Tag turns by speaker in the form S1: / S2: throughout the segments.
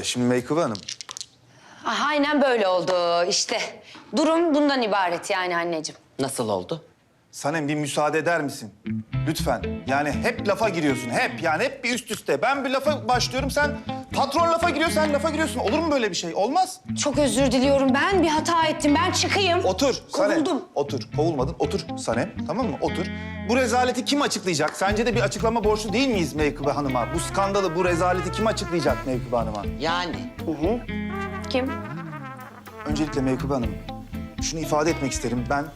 S1: Şimdi Meykıbe Hanım,
S2: Ah, aynen böyle oldu işte. Durum bundan ibaret yani anneciğim.
S3: Nasıl oldu?
S1: Sanem bir müsaade eder misin? Lütfen. Yani hep lafa giriyorsun, hep. Yani hep bir üst üste. Ben bir lafa başlıyorum, sen patron lafa giriyor, sen lafa giriyorsun. Olur mu böyle bir şey? Olmaz.
S2: Çok özür diliyorum. Ben bir hata ettim. Ben çıkayım.
S1: Otur Sanem.
S2: Kovuldum.
S1: Otur. Kovulmadın. Otur Sanem. Tamam mı? Otur. Bu rezaleti kim açıklayacak? Sence de bir açıklama borçlu değil miyiz Meykıbe Hanım'a? Bu skandalı, bu rezaleti kim açıklayacak Meykıbe Hanım'a?
S3: Yani
S2: Kim?
S1: Öncelikle Meykıbe Hanım, şunu ifade etmek isterim. Ben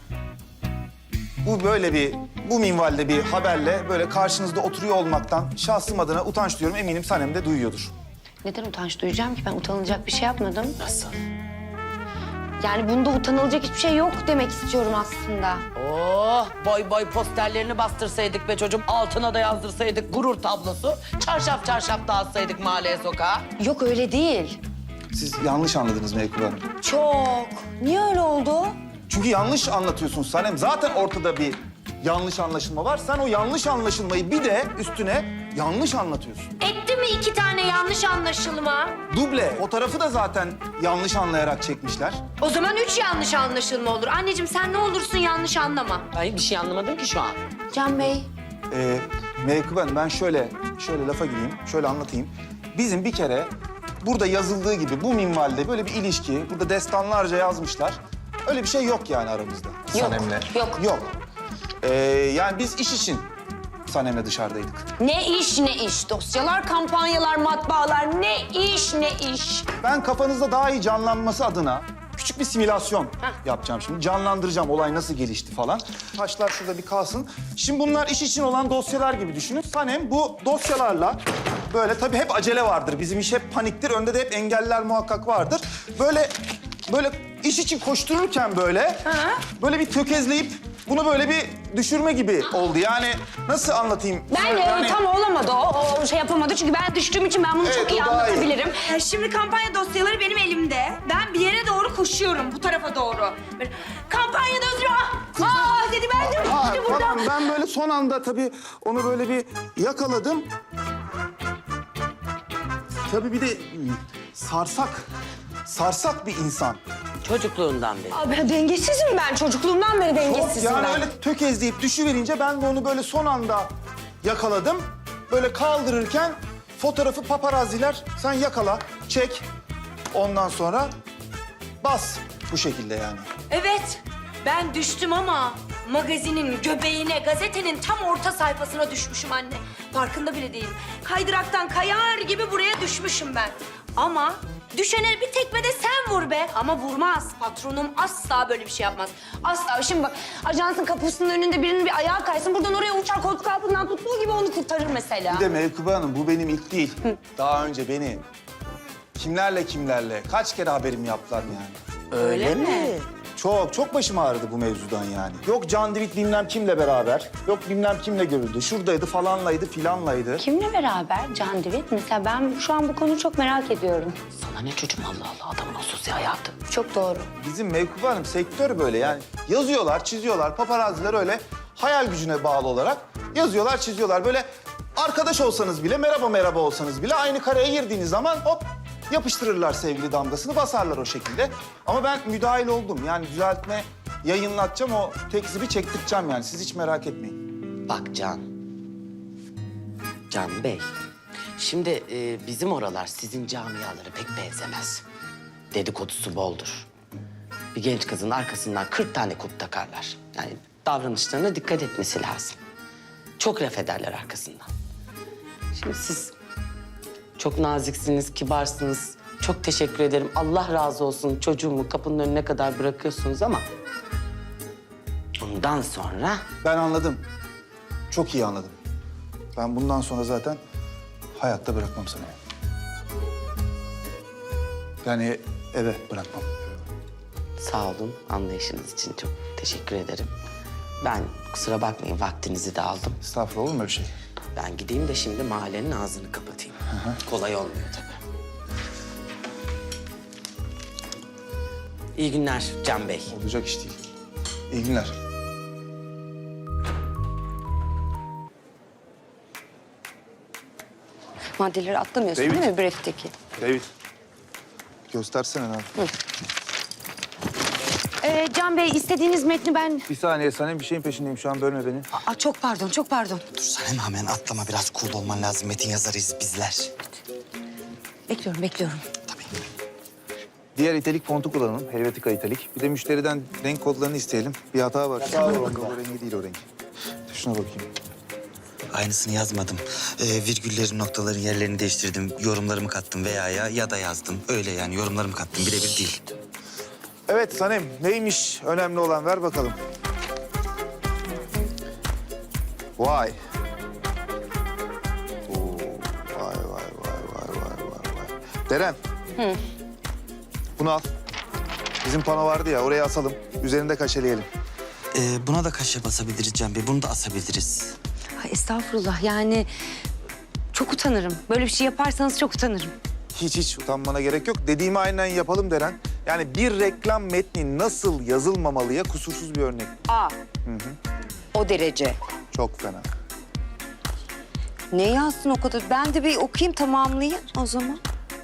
S1: bu minvalde bir haberle böyle karşınızda oturuyor olmaktan şahsım adına utanç duyuyorum. Eminim Sanem de duyuyordur.
S2: Neden utanç duyacağım ki? Ben utanılacak bir şey yapmadım.
S3: nasıl?
S2: Yani bunda utanılacak hiçbir şey yok demek istiyorum aslında.
S3: Oh, boy boy posterlerini bastırsaydık be çocuğum. Altına da yazdırsaydık gurur tablosu. Çarşaf çarşaf dağıtsaydık mahalleye sokağa.
S2: Yok öyle değil.
S1: Siz yanlış anladınız Meykıbe Hanım.
S2: Çok. Niye öyle oldu?
S1: Çünkü yanlış anlatıyorsun Sanem. Zaten ortada bir yanlış anlaşılma var. Sen o yanlış anlaşılmayı bir de üstüne yanlış anlatıyorsun.
S2: Etti mi 2 tane yanlış anlaşılma?
S1: Duble. O tarafı da zaten yanlış anlayarak çekmişler.
S2: O zaman 3 yanlış anlaşılma olur. Anneciğim sen ne olursun yanlış anlama.
S3: Ben bir şey anlamadım ki şu an.
S2: Can Bey.
S1: Meykıbe Hanım ben şöyle lafa gireyim, şöyle anlatayım. Bizim bir kere burada yazıldığı gibi bu minvalde böyle bir ilişki, burada destanlarca yazmışlar. Öyle bir şey yok yani aramızda.
S2: Yok,
S1: Sanem'le.
S2: yok.
S1: Yok. Yani biz iş için Sanem'le dışarıdaydık.
S2: Ne iş ne iş. Dosyalar, kampanyalar, matbaalar. Ne iş ne iş.
S1: Ben kafanızda daha iyi canlanması adına küçük bir simülasyon yapacağım şimdi. Canlandıracağım olay nasıl gelişti falan. Taşlar şurada bir kalsın. Şimdi bunlar iş için olan dosyalar gibi düşünün. Sanem bu dosyalarla böyle tabii hep acele vardır. Bizim iş hep paniktir. Önde de hep engeller muhakkak vardır. Böyle iş için koştururken böyle bir tökezleyip bunu böyle bir düşürme gibi oldu. Yani nasıl anlatayım?
S2: Ben tam olamadı o şey yapamadı çünkü ben düştüğüm için ben bunu
S1: Evet,
S2: çok iyi
S1: o daha iyi.
S2: anlatabilirim.
S4: Şimdi kampanya dosyaları benim elimde. Ben bir yere doğru koşuyorum, bu tarafa doğru. Böyle, kampanya dosyaları, dedi ben de
S1: Ha,
S4: işte burada.
S1: tamam ben böyle son anda tabii onu böyle bir yakaladım. Tabii bir de sarsak bir insan.
S3: Çocukluğundan beri.
S2: Abi dengesizim ben çocukluğumdan beri dengesizim
S1: Yani
S2: ben.
S1: öyle tökezleyip düşüverince ben de onu böyle son anda yakaladım. Böyle kaldırırken fotoğrafı paparazziler sen yakala, çek. Ondan sonra bas bu şekilde yani.
S4: Evet, ben düştüm ama magazinin göbeğine, gazetenin tam orta sayfasına düşmüşüm anne. Farkında bile değilim. Kaydıraktan kayar gibi buraya düşmüşüm ben. Ama düşene bir tekme de sen vur be. Ama vurmaz. Patronum asla böyle bir şey yapmaz.
S2: Asla. Şimdi bak ajansın kapısının önünde birinin bir ayağı kaysın. Buradan oraya uçar koltuk altından tuttuğu gibi onu kurtarır mesela.
S1: Bir de Meykıbe Hanım bu benim ilk değil. Daha önce beni kimlerle kaç kere haberim yaptılar yani.
S3: Öyle mi?
S1: Çok başım ağrıdı bu mevzudan yani. Yok Can Divit bilmem kimle beraber, yok bilmem kimle görüldü. Şuradaydı falanlaydı filanlaydı.
S2: Kimle beraber Can Divit? Mesela ben şu an bu konuyu çok merak ediyorum.
S3: Sana ne çocuğum Allah Allah adamın o sosyal hayatı.
S2: Çok doğru.
S1: Bizim Meykıbe Hanım sektör böyle yani. Yazıyorlar, çiziyorlar. Paparazziler öyle hayal gücüne bağlı olarak yazıyorlar, çiziyorlar. Böyle arkadaş olsanız bile, merhaba olsanız bile aynı kareye girdiğiniz zaman hop yapıştırırlar sevgili damgasını, basarlar o şekilde. Ama ben müdahil oldum. Yani düzeltme, yayınlatacağım, o tekzibi çektireceğim yani. Siz hiç merak etmeyin.
S3: Bak Can Bey. Şimdi bizim oralar sizin camiaları pek benzemez. Dedikodusu boldur. Bir genç kızın arkasından 40 tane kulp takarlar. Yani davranışlarına dikkat etmesi lazım. Çok laf ederler arkasından. Şimdi siz çok naziksiniz, kibarsınız. Çok teşekkür ederim. Allah razı olsun çocuğumu kapının önüne kadar bırakıyorsunuz ama... Bundan sonra
S1: Ben anladım. Çok iyi anladım. Ben bundan sonra zaten hayatta bırakmam seni. Yani eve bırakmam.
S3: sağ olun anlayışınız için çok teşekkür ederim. Ben kusura bakmayın vaktinizi de aldım.
S1: Estağfurullah, olur mu öyle şey?
S3: Ben gideyim de şimdi mahallenin ağzını kapatayım. Kolay olmuyor tabii. İyi günler Can Bey.
S1: Olacak iş değil. İyi günler.
S2: Maddeleri atlamıyorsun
S1: David.
S2: değil mi briefteki?
S1: David, Göstersene abi.
S2: Can Bey istediğiniz metni ben...
S1: Bir saniye Sanem bir şeyin peşindeyim şu an bölme beni.
S2: Aa, çok pardon, çok pardon.
S3: Dur Sanem hemen atlama biraz cool olman lazım. Metin yazarıyız bizler.
S2: Bekliyorum.
S1: Diğer italik fontu kullanalım. Helvetica italik. Bir de müşteriden renk kodlarını isteyelim. Bir hata var. O rengi değil o renk. Şuna bakayım.
S5: Aynısını yazmadım. Virgüllerin, noktaların yerlerini değiştirdim. Yorumlarımı kattım veya ya da yazdım. Öyle yani yorumlarımı kattım. Birebir değil.
S1: Evet Sanem neymiş önemli olan ver bakalım. Vay. Oo, vay. Deren. Bunu al. Bizim pano vardı ya oraya asalım. Üzerinde kaşeleyelim.
S5: Buna da kaşe basabiliriz Can Bey. Bunu da asabiliriz.
S2: Ay, estağfurullah yani çok utanırım. Böyle bir şey yaparsanız çok utanırım.
S1: Hiç utanmana gerek yok. Dediğimi aynen yapalım Deren. Yani bir reklam metni nasıl yazılmamalıya kusursuz bir örnek.
S6: O derece.
S1: Çok fena.
S6: Ne yazsın o kadar? Ben de bir okuyayım, tamamlayayım o zaman.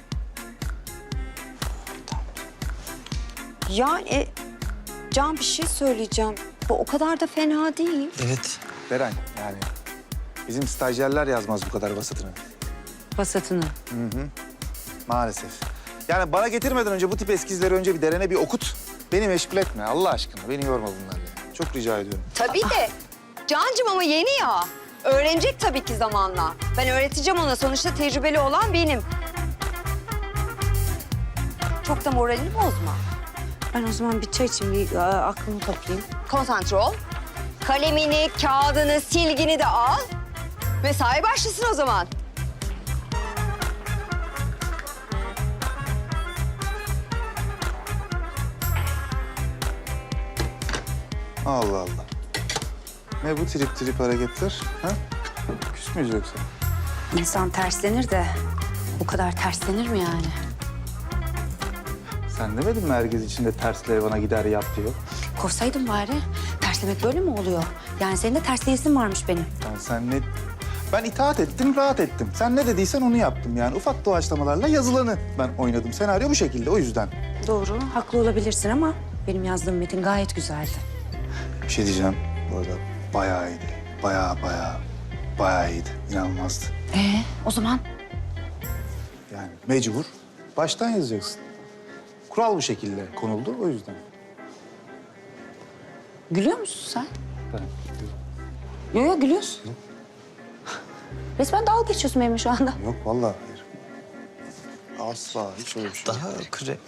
S6: Yani Can bir şey söyleyeceğim. Bu o kadar da fena değil.
S5: Evet.
S1: Deren yani bizim stajyerler yazmaz bu kadar basitini.
S2: Vasatını.
S1: Maalesef. Yani bana getirmeden önce bu tip eskizleri önce bir Deren'e bir okut. Beni meşgul etme Allah aşkına. Beni yorma bunlarla. Çok rica ediyorum.
S6: Tabii de. Cancım ama yeni ya. Öğrenecek tabii ki zamanla. Ben öğreteceğim ona. Sonuçta tecrübeli olan benim. Çok da moralini bozma.
S2: Ben o zaman bir çay içeyim, bir aklımı toplayayım.
S6: Konsantre ol. Kalemini, kağıdını, silgini de al. Mesai başlasın o zaman.
S1: Allah Allah. Ne bu trip hareketler? Ha? Küs müyüz yoksa?
S2: İnsan terslenir de bu kadar terslenir mi yani?
S1: Sen demedin mi herkes içinde tersle bana gider yap diyor.
S2: Kovsaydın bari. Terslemek böyle mi oluyor? Yani senin de tersleyesin varmış benim.
S1: Ben itaat ettim, rahat ettim. Sen ne dediysen onu yaptım yani. Ufak doğaçlamalarla yazılanı ben oynadım. Senaryo bu şekilde o yüzden.
S2: Doğru, haklı olabilirsin ama benim yazdığım metin gayet güzeldi.
S1: Bir şey diyeceğim. Bu arada bayağı iyiydi. Bayağı iyiydi. İnanılmazdı.
S2: O zaman
S1: Yani mecbur. Baştan yazacaksın. Kural bu şekilde konuldu o yüzden.
S2: gülüyor musun sen?
S1: Ben
S2: Yok gülüyorsun. Resmen dalga geçiyorsun benimle şu anda.
S1: yok vallahi hayır. Asla hiç öyle bir şey yok.
S5: Daha kre...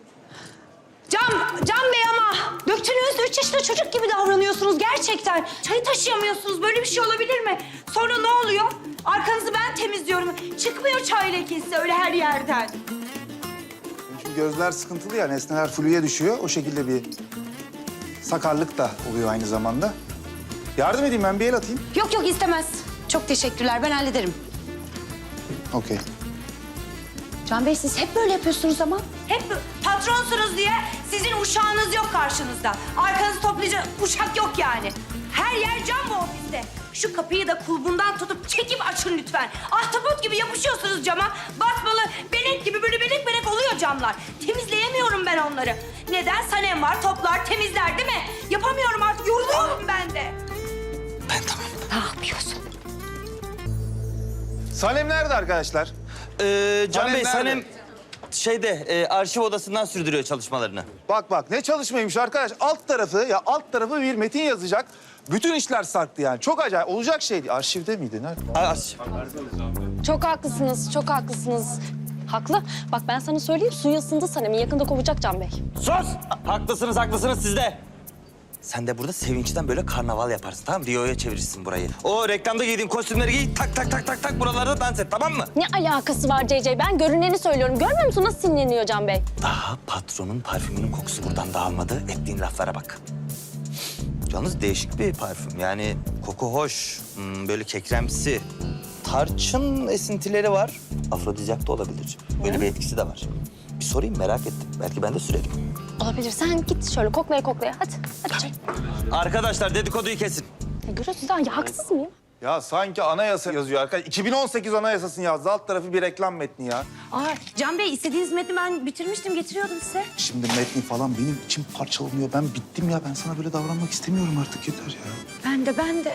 S4: Can Bey ama döktünüz 3 yaşında çocuk gibi davranıyorsunuz gerçekten. Çayı taşıyamıyorsunuz. Böyle bir şey olabilir mi? Sonra ne oluyor? Arkanızı ben temizliyorum. Çıkmıyor çay lekesi öyle her yerden.
S1: Çünkü gözler sıkıntılı ya, nesneler fluya düşüyor. O şekilde bir sakarlık da oluyor aynı zamanda. Yardım edeyim ben, bir el atayım.
S2: Yok istemez. Çok teşekkürler, ben hallederim.
S1: Okey.
S2: Can Bey siz hep böyle yapıyorsunuz ama.
S4: Hep patronsunuz diye sizin uşağınız yok karşınızda. Arkanızı toplayacak uşak yok yani. Her yer cam bu ofiste. Şu kapıyı da kulbundan tutup çekip açın lütfen. Ahtapot gibi yapışıyorsunuz cama. Basmalı benek gibi böyle benek oluyor camlar. Temizleyemiyorum ben onları. Neden? Sanem var, toplar, temizler değil mi? Yapamıyorum artık, yoruluyorum ben de.
S5: Ben tamam.
S2: Ne yapıyorsun?
S1: Sanem nerede arkadaşlar?
S5: Can
S1: Sanem
S5: Bey,
S1: nerede?
S5: Sanem arşiv odasından sürdürüyor çalışmalarını.
S1: Bak ne çalışmaymış arkadaş. Alt tarafı bir metin yazacak. Bütün işler sarktı yani. Çok acayip. Olacak şeydi. Arşivde miydi? Nerede?
S5: Arşiv.
S7: Çok haklısınız, çok haklısınız. Haklı. Bak ben sana söyleyeyim, suyu ısındı Sanem'i. Yakında kovacak Can Bey.
S5: Sus! Haklısınız siz de. Sen de burada sevinçten böyle karnaval yaparsın, tamam mı? Rio'ya çevirirsin burayı. O reklamda giydiğin kostümleri giy, tak buralarda dans et, tamam mı?
S7: Ne alakası var CC? Ben görüneni söylüyorum. Görmüyor musun nasıl sinirleniyor Can Bey?
S5: Daha patronun parfümünün kokusu buradan dağılmadı. Ettiğin laflara bak. Yalnız değişik bir parfüm. Yani koku hoş, böyle kekremsi. Tarçın esintileri var. Afrodizyak da olabilir. Böyle bir etkisi de var. Bir sorayım, merak ettim. Belki ben de sürerim.
S7: Olabilir. Sen git şöyle koklaya. Hadi canım.
S5: Arkadaşlar dedikoduyu kesin.
S7: Ya görüyorsun sen ya haksız mıyım?
S1: Ya sanki anayasa yazıyor arkadaş. 2018 anayasasını yazdı. Alt tarafı bir reklam metni ya.
S4: Aa, Can Bey istediğiniz metni ben bitirmiştim, getiriyordum size.
S1: Şimdi metni falan benim içim parçalanıyor. Ben bittim ya. Ben sana böyle davranmak istemiyorum artık. Yeter ya.
S4: Ben de.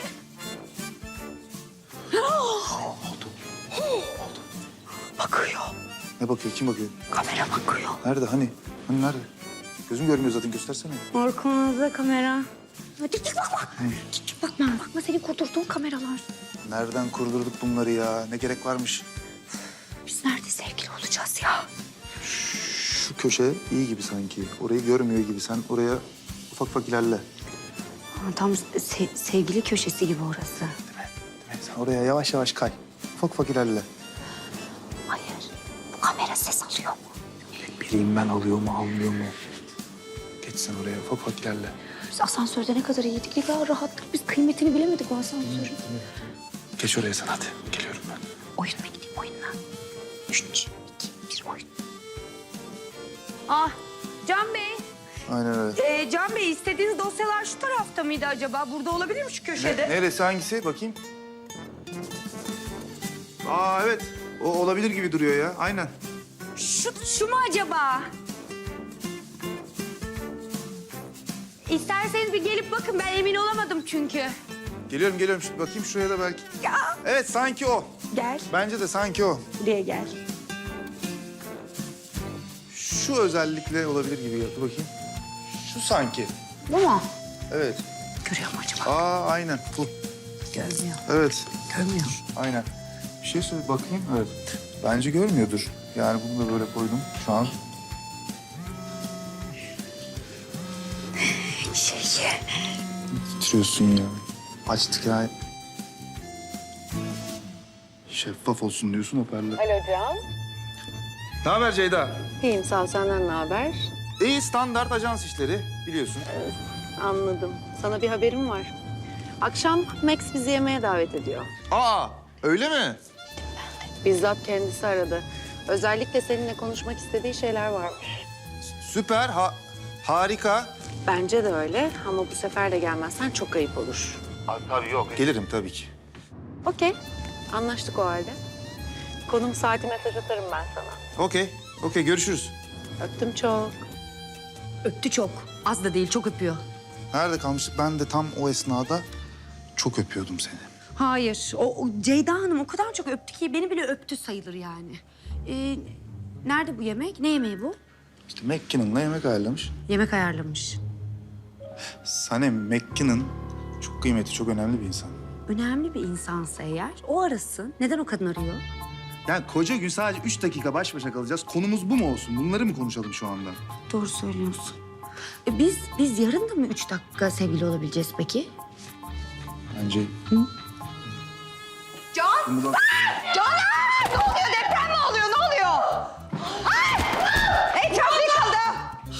S1: Bakıyor. Ne bakıyor? Kim bakıyor?
S4: Kamera bakıyor.
S1: Nerede? Hani? Hani nerede? Gözüm görmüyor zaten. Göstersene.
S4: Arkamızda kamera. Dik bakma. Dik bakma. Bakma senin kurdurduğun kameralar.
S1: Nereden kurdurduk bunları ya? Ne gerek varmış?
S4: Biz nerede sevgili olacağız ya?
S1: Şu köşe iyi gibi sanki. Orayı görmüyor gibi. Sen oraya ufak ufak ilerle.
S4: Tam sevgili köşesi gibi orası.
S1: Değil mi? Sen oraya yavaş yavaş kay. Ufak ufak ilerle.
S4: Hayır. Bu kamera ses alıyor mu?
S1: Bileyim ben alıyor mu almıyor mu? Geç sen oraya ufak ufak ilerle.
S4: Biz asansörde ne kadar iyiydik, ne kadar rahattık. Biz kıymetini bilemedik o asansörün.
S1: Geç oraya sen hadi. Geliyorum ben.
S4: Oyununa gideyim, oyununa. 3, 2, 1 oyun. Ah, Can Bey.
S1: Aynen öyle.
S4: Can Bey istediğiniz dosyalar şu tarafta mıydı acaba? Burada olabilir mi şu köşede?
S1: Neresi hangisi? Bakayım. Aa evet. O olabilir gibi duruyor ya. Aynen.
S4: Şu mu acaba? İsterseniz bir gelip bakın. Ben emin olamadım çünkü.
S1: Geliyorum. Şimdi bakayım şuraya da belki.
S4: Ya
S1: Evet sanki o.
S4: gel.
S1: Bence de sanki o.
S4: Buraya gel.
S1: Şu özellikle olabilir gibi. Dur bakayım. Şu sanki.
S4: Bu mu?
S1: Evet.
S4: Görüyor mu acaba?
S1: Aa aynen. Bu.
S4: Görmüyor.
S1: Evet.
S4: Görmüyor.
S1: Aynen. Bir şey söyle bakayım. Evet. Bence görmüyordur. Yani bunu da böyle koydum şu an. Titriyorsun ya. Açtık ya. Şeffaf olsun diyorsun hoparlör.
S7: Alo Can.
S1: Ne haber Ceyda?
S7: İyiyim sağ ol. Senden ne haber?
S1: İyi standart ajans işleri biliyorsun.
S7: Anladım. Sana bir haberim var. Akşam Max bizi yemeğe davet ediyor.
S1: Aa öyle mi?
S7: Bizzat kendisi aradı. Özellikle seninle konuşmak istediği şeyler varmış.
S1: Süper, harika.
S7: Bence de öyle ama bu sefer de gelmezsen çok ayıp olur.
S1: Tabii yok. Gelirim tabii ki.
S7: Okey. Anlaştık o halde. Konum saati mesaj atarım ben sana.
S1: Okey görüşürüz.
S7: Öptüm çok.
S4: Öptü çok. Az da değil, çok öpüyor.
S1: Nerede kalmıştık? Ben de tam o esnada çok öpüyordum seni.
S4: Hayır. O Ceyda Hanım o kadar çok öptü ki beni bile öptü sayılır yani. Nerede bu yemek? Ne yemeği bu?
S1: İşte McKinnon'la yemek ayarlamış.
S4: Yemek ayarlamış.
S1: Sanem McKinnon çok kıymetli, çok önemli bir insan.
S4: Önemli bir insansa eğer o arasın. Neden o kadın arıyor?
S1: Yani koca gün sadece 3 dakika baş başa kalacağız. Konumuz bu mu olsun? Bunları mı konuşalım şu anda?
S4: Doğru söylüyorsun. Biz yarın da mı 3 dakika sevgili olabileceğiz peki?
S1: Bence...
S6: Can! Caner! Ne oluyor? Deprem mi oluyor? Ne oluyor? Ay! Etraf yıkıldı.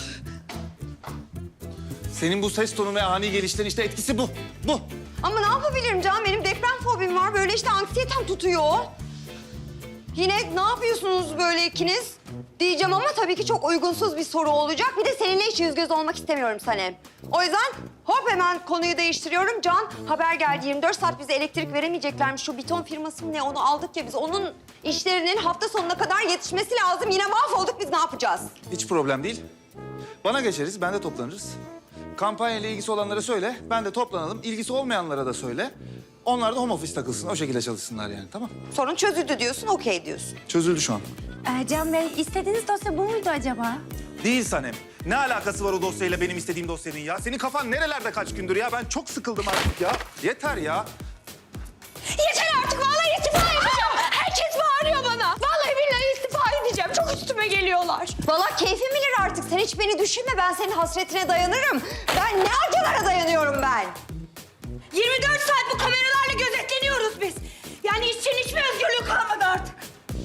S1: Senin bu ses tonu ve ani gelişlerin işte etkisi bu. Bu.
S6: Ama ne yapabilirim Can? Benim deprem fobim var. Böyle işte anksiyetem tutuyor. Yine ne yapıyorsunuz böyle ikiniz? Diyeceğim ama tabii ki çok uygunsuz bir soru olacak. Bir de seninle hiç yüz göz olmak istemiyorum Sanem. O yüzden hop hemen konuyu değiştiriyorum. Can haber geldi 24 saat bize elektrik veremeyeceklermiş. Şu beton firması mı ne onu aldık ya biz. Onun işlerinin hafta sonuna kadar yetişmesi lazım. Yine mahvolduk biz ne yapacağız?
S1: Hiç problem değil. Bana geçeriz, ben de toplanırız. Kampanyayla ilgisi olanlara söyle, ben de toplanalım. İlgisi olmayanlara da söyle. Onlar da home office takılsın, o şekilde çalışsınlar yani, tamam?
S6: Sorun çözüldü diyorsun, okey diyorsun.
S1: Çözüldü şu an.
S4: Can Bey istediğiniz dosya bu muydu acaba?
S1: Değil Sanem. Ne alakası var o dosyayla benim istediğim dosyanın ya? Senin kafan nerelerde kaç gündür ya? Ben çok sıkıldım artık ya. Yeter ya.
S2: Yeter artık vallahi istifa edeceğim. Herkes bağırıyor bana. Vallahi billahi istifa edeceğim. Çok üstüme geliyorlar.
S6: Vallahi keyfim bilir artık. Sen hiç beni düşünme. Ben senin hasretine dayanırım. Ben ne acılara dayanıyorum ben.
S4: 24 saat bu kameralarla gözetleniyoruz biz. Yani işçinin hiçbir özgürlüğü kalmadı artık.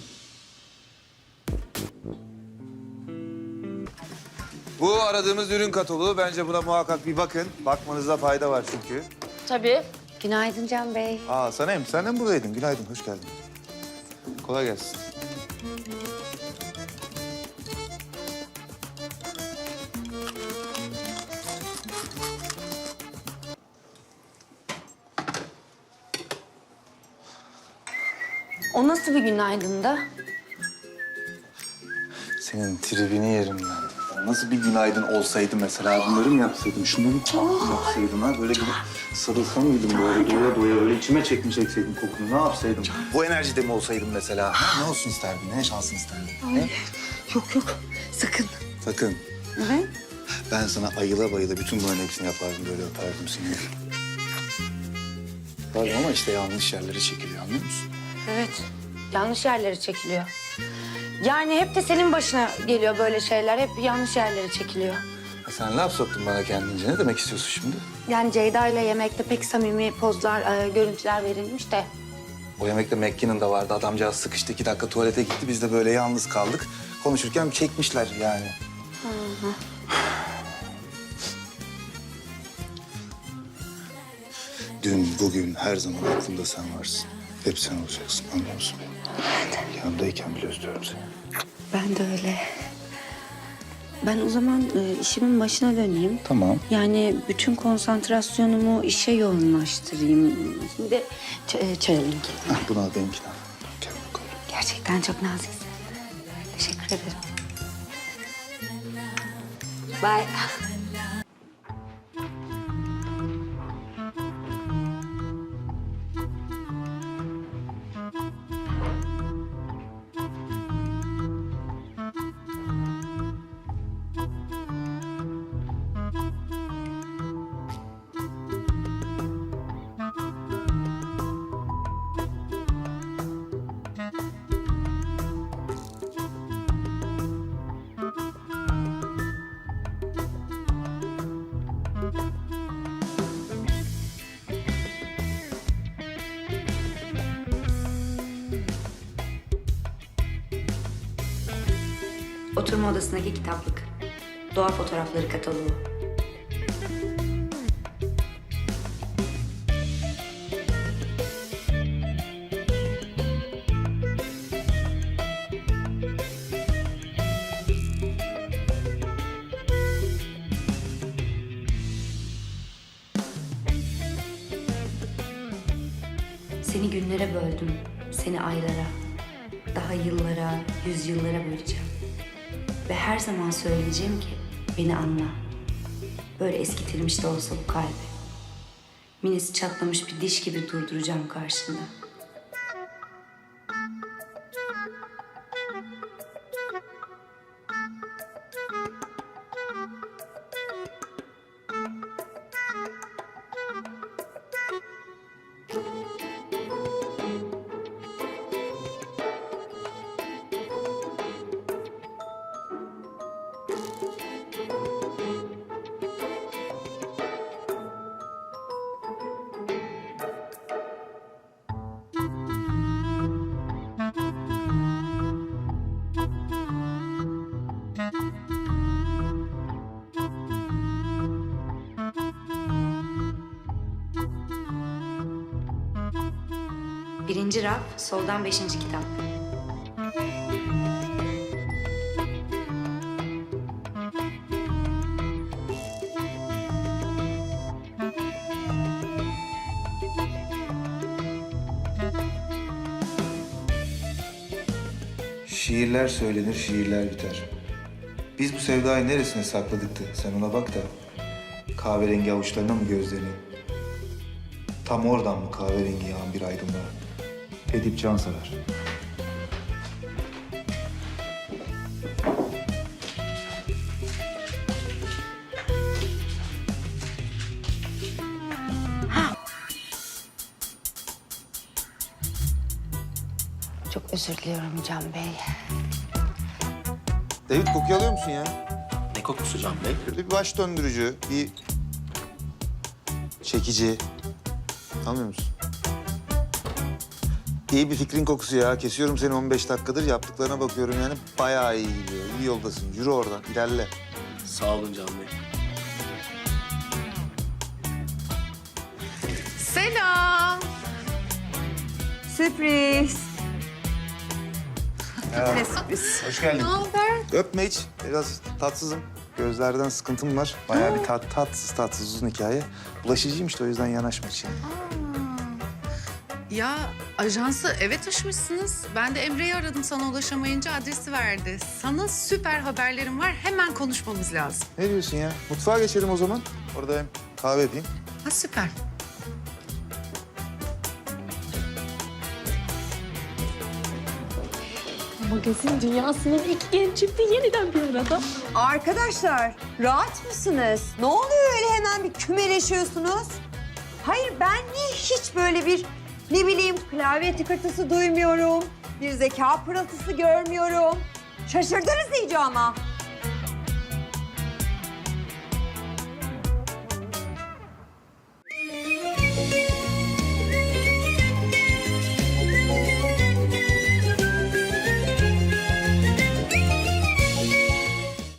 S1: Bu aradığımız ürün kataloğu. Bence buna muhakkak bir bakın. Bakmanızda fayda var çünkü.
S7: Tabii.
S6: Günaydın Can Bey.
S1: Aa Sanem, sen de mi buradaydın? Günaydın, hoş geldin. Kolay gelsin.
S4: O nasıl bir günaydın da?
S1: Senin tribini yerim ben. Nasıl bir günaydın olsaydı mesela bunları mı yapsaydım? Şunları mı yapsaydım ha? Böyle bir sarılsam mıydım böyle doya doya öyle içime çekmiş çekseydim kokunu ne yapsaydım? Bu enerjide mi olsaydım mesela? Ha? Ne olsun isterdin? Ne şansın isterdin? He?
S6: Yok yok sakın.
S1: Sakın.
S6: Evet.
S1: Ben sana ayıla bayıla bütün bunların hepsini yapardım böyle öperdim seni. Tabii ama işte yanlış yerlere çekiliyor anlıyor musun?
S4: Evet. Yanlış yerlere çekiliyor. Yani hep de senin başına geliyor böyle şeyler. Hep yanlış yerlere çekiliyor.
S1: Ha, sen laf soktun bana kendince. Ne demek istiyorsun şimdi?
S4: Yani Ceyda ile yemekte pek samimi pozlar, görüntüler verilmiş de.
S1: O yemekte McKinnon vardı. Adamcağız sıkıştı 2 dakika tuvalete gitti. Biz de böyle yalnız kaldık. Konuşurken çekmişler yani. Dün, bugün, her zaman aklımda sen varsın. Hep sen olacaksın, anlıyor musun? Yanımdayken bile özlüyorum seni.
S4: Ben de öyle. Ben o zaman işimin başına döneyim.
S1: Tamam.
S4: Yani bütün konsantrasyonumu işe yoğunlaştırayım. Şimdi de çayalım ki.
S1: Hah, bunu al benimkini al. Gel bakalım.
S4: Gerçekten çok naziksin. Teşekkür ederim. Bye. Oturma odasındaki kitaplık. Doğa fotoğrafları kataloğu. Seni günlere böldüm, seni aylara, daha yıllara, yüzyıllara böleceğim. Ve her zaman söyleyeceğim ki beni anla. Böyle eskitilmiş de olsa bu kalbi. Minesi çatlamış bir diş gibi durduracağım karşında. Birinci raf, soldan 5. kitap.
S1: Şiirler söylenir, şiirler biter. Biz bu sevdayı neresine sakladık da sen ona bak da kahverengi avuçlarına mı gözlerini? Tam oradan mı kahverengi yağan bir aydınlığa? Edip Cansever.
S4: Çok özür diliyorum Can Bey.
S1: David kokuyu alıyor musun ya?
S5: Ne kokusu Can Bey?
S1: Böyle bir baş döndürücü, bir çekici. Anlıyor musun? İyi bir fikrin kokusu ya. Kesiyorum seni 15 dakikadır. Yaptıklarına bakıyorum yani. Bayağı iyi gidiyor. İyi yoldasın. Yürü oradan. İlerle.
S5: Sağ olun Can Bey.
S6: Selam. Sürpriz. Ne sürpriz?
S1: Hoş geldin.
S6: Ne haber?
S1: Öpme hiç. Biraz tatsızım. Gözlerden sıkıntım var. Bayağı bir tatsız uzun hikaye. Bulaşıcıymış da o yüzden yanaşma hiç yani.
S8: Ya ajansı eve taşımışsınız. Ben de Emre'yi aradım, sana ulaşamayınca adresi verdi. Sana süper haberlerim var. Hemen konuşmamız lazım.
S1: Ne diyorsun ya? Mutfağa geçelim o zaman. Orada hem kahve yapayım.
S8: Ha süper.
S7: Magazin dünyasının iki genç çifti yeniden bir arada.
S6: Arkadaşlar rahat mısınız? Ne oluyor öyle hemen bir kümeleşiyorsunuz? Hayır ben niye hiç böyle bir ne bileyim klavye tıkırtısı duymuyorum. Bir zeka pırıltısı görmüyorum. Şaşırdınız iyice ama.